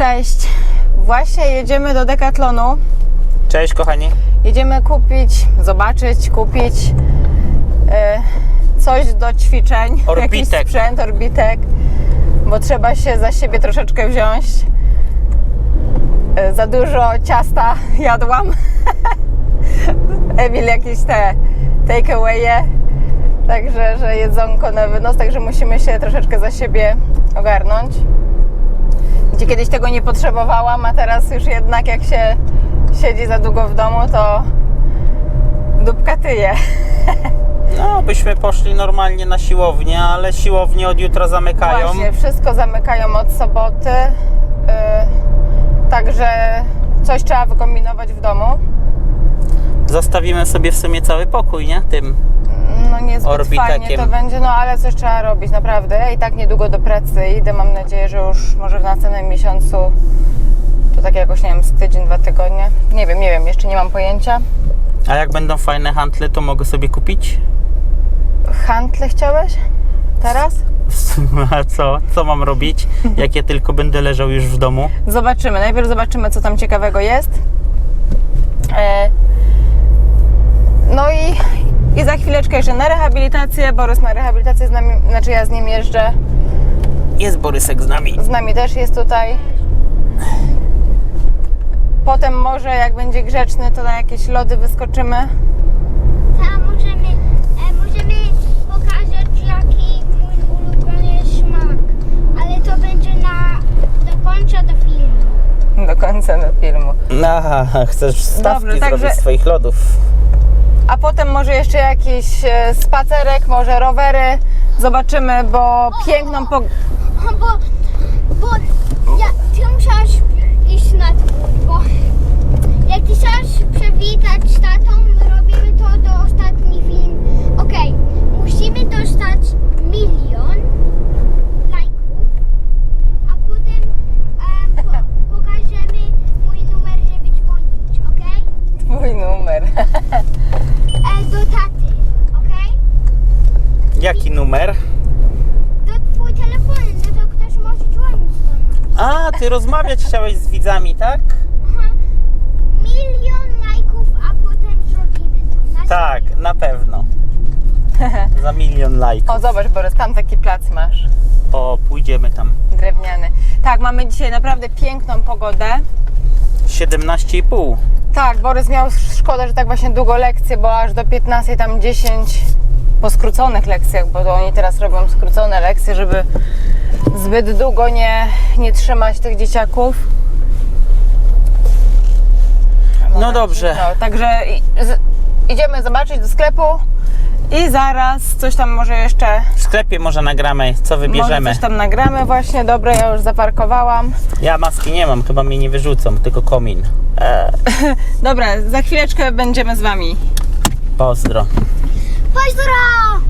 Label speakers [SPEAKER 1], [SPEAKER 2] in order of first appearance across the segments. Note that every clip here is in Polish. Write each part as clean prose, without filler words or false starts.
[SPEAKER 1] Cześć. Właśnie jedziemy do Decathlonu.
[SPEAKER 2] Cześć kochani.
[SPEAKER 1] Jedziemy kupić coś do ćwiczeń.
[SPEAKER 2] Orbitek.
[SPEAKER 1] Jakiś sprzęt, orbitek. Bo trzeba się za siebie troszeczkę wziąć. Za dużo ciasta jadłam. Emil jakieś te take away'e. Także, że jedzonko na wynos, także musimy się troszeczkę za siebie ogarnąć. Gdzie kiedyś tego nie potrzebowałam, a teraz już jednak jak się siedzi za długo w domu, to dupka tyje.
[SPEAKER 2] No, byśmy poszli normalnie na siłownię, ale siłownie od jutra zamykają.
[SPEAKER 1] Właśnie, wszystko zamykają od soboty. Także coś trzeba wykombinować w domu.
[SPEAKER 2] Zostawimy sobie w sumie cały pokój, nie? Tym
[SPEAKER 1] No niezbyt
[SPEAKER 2] orbitekiem.
[SPEAKER 1] fajnie to będzie, no ale coś trzeba robić, naprawdę. I tak niedługo do pracy idę, mam nadzieję, że już może w następnym miesiącu, to tak jakoś, nie wiem, z tydzień, 2 tygodnie. Nie wiem, jeszcze nie mam pojęcia.
[SPEAKER 2] A jak będą fajne hantle, to mogę sobie kupić?
[SPEAKER 1] Hantle chciałeś? Teraz?
[SPEAKER 2] A co mam robić, jak ja tylko będę leżał już w domu?
[SPEAKER 1] Zobaczymy. Najpierw zobaczymy, co tam ciekawego jest. No i za chwileczkę jeszcze na rehabilitację. Borys na rehabilitację z nami, znaczy ja z nim jeżdżę.
[SPEAKER 2] Jest Borysek z nami.
[SPEAKER 1] Z nami też jest tutaj. Potem może jak będzie grzeczny, to na jakieś lody wyskoczymy.
[SPEAKER 3] Tam możemy pokazać, jaki mój ulubiony smak, ale to będzie do końca do filmu.
[SPEAKER 1] Do końca do filmu.
[SPEAKER 2] Aha, chcesz wstawki
[SPEAKER 1] Dobrze, także-
[SPEAKER 2] zrobić swoich lodów.
[SPEAKER 1] A potem może jeszcze jakiś spacerek, może rowery. Zobaczymy, bo piękną
[SPEAKER 3] Bo ty musiałaś iść na dwór, bo jak ty chciałaś przywitać z tatą, my robimy to do ostatni film. Okej, musimy dostać 1 000 000 lajków, a potem pokażemy mój numer, żeby dzwonić, okej?
[SPEAKER 1] Twój numer.
[SPEAKER 3] Do taty, okej?
[SPEAKER 2] Jaki numer?
[SPEAKER 3] Do twój telefon, no to ktoś może dzwonić do nas.
[SPEAKER 2] A, ty rozmawiać chciałeś z widzami, tak?
[SPEAKER 3] Aha. 1 000 000 lajków, a potem zrobimy to.
[SPEAKER 2] Tak, na pewno. Za 1 000 000 lajków.
[SPEAKER 1] O, zobacz, Borys, tam taki plac masz.
[SPEAKER 2] O, pójdziemy tam.
[SPEAKER 1] Drewniany. Tak, mamy dzisiaj naprawdę piękną pogodę.
[SPEAKER 2] 17,5.
[SPEAKER 1] Tak, Borys miał szkoda, że tak właśnie długo lekcje, bo aż do 15 tam 10 po skróconych lekcjach, bo to oni teraz robią skrócone lekcje, żeby zbyt długo nie trzymać tych dzieciaków.
[SPEAKER 2] No dobrze.
[SPEAKER 1] No, także idziemy zobaczyć do sklepu i zaraz coś tam może jeszcze,
[SPEAKER 2] W sklepie może nagramy, co
[SPEAKER 1] może
[SPEAKER 2] wybierzemy.
[SPEAKER 1] coś tam nagramy właśnie. Dobra, ja już zaparkowałam.
[SPEAKER 2] Ja maski nie mam, chyba mnie nie wyrzucą, tylko komin.
[SPEAKER 1] Dobra, za chwileczkę będziemy z wami.
[SPEAKER 2] Pozdro.
[SPEAKER 3] Pozdro!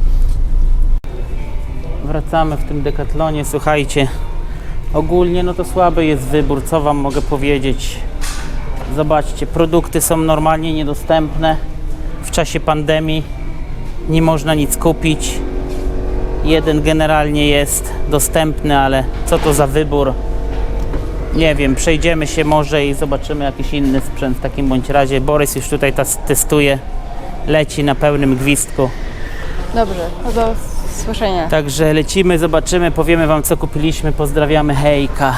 [SPEAKER 2] Wracamy w tym Decathlonie, słuchajcie. Ogólnie no to słaby jest wybór, co wam mogę powiedzieć. Zobaczcie, produkty są normalnie niedostępne. W czasie pandemii nie można nic kupić. Jeden generalnie jest dostępny, ale co to za wybór? Nie wiem, przejdziemy się może i zobaczymy jakiś inny sprzęt w takim bądź razie. Borys już tutaj testuje, leci na pełnym gwizdku.
[SPEAKER 1] Dobrze, no do słyszenia.
[SPEAKER 2] Także lecimy, zobaczymy, powiemy wam co kupiliśmy, pozdrawiamy, hejka.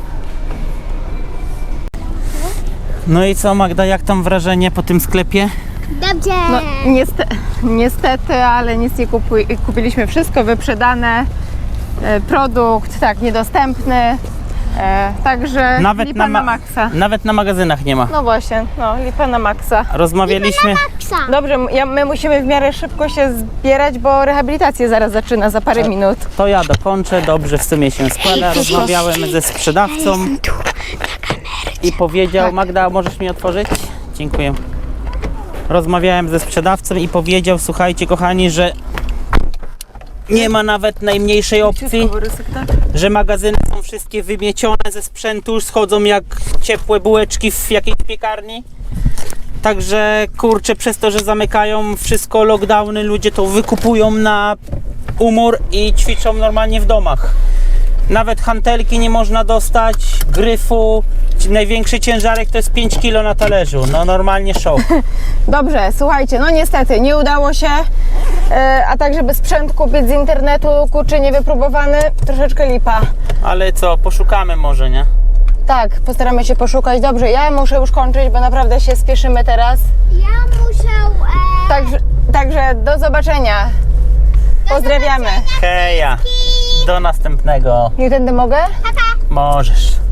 [SPEAKER 2] No i co Magda, jak tam wrażenie po tym sklepie?
[SPEAKER 3] Dobrze!
[SPEAKER 1] No niestety, ale nic nie kupiliśmy, wszystko wyprzedane, produkt tak niedostępny, także lipa na maksa.
[SPEAKER 2] Nawet na magazynach nie ma.
[SPEAKER 1] No właśnie, no lipa na maksa.
[SPEAKER 2] Rozmawialiśmy,
[SPEAKER 3] Psa.
[SPEAKER 1] Dobrze, my musimy w miarę szybko się zbierać, bo rehabilitacja zaraz zaczyna za parę minut.
[SPEAKER 2] to ja dokończę, dobrze w sumie się składa. Rozmawiałem ze sprzedawcą i powiedział, Magda, możesz mi otworzyć? Dziękuję. Rozmawiałem ze sprzedawcą i powiedział, słuchajcie kochani, że nie ma nawet najmniejszej opcji, że magazyny są wszystkie wymiecione ze sprzętu, już schodzą jak ciepłe bułeczki w jakiejś piekarni. Także kurczę, przez to, że zamykają wszystko, lockdowny, ludzie to wykupują na umór i ćwiczą normalnie w domach. Nawet hantelki nie można dostać, gryfu. Największy ciężarek to jest 5 kg na talerzu. No normalnie szok.
[SPEAKER 1] Dobrze, słuchajcie, no niestety nie udało się, a tak żeby sprzęt kupić z internetu, kurczę, niewypróbowany, troszeczkę lipa.
[SPEAKER 2] Ale co, poszukamy może, nie?
[SPEAKER 1] Tak, postaramy się poszukać. Dobrze, ja muszę już kończyć, bo naprawdę się spieszymy teraz.
[SPEAKER 3] Ja muszę...
[SPEAKER 1] Także do zobaczenia. Pozdrawiamy.
[SPEAKER 2] Heja, do następnego.
[SPEAKER 1] Nie tędy mogę?
[SPEAKER 2] Możesz.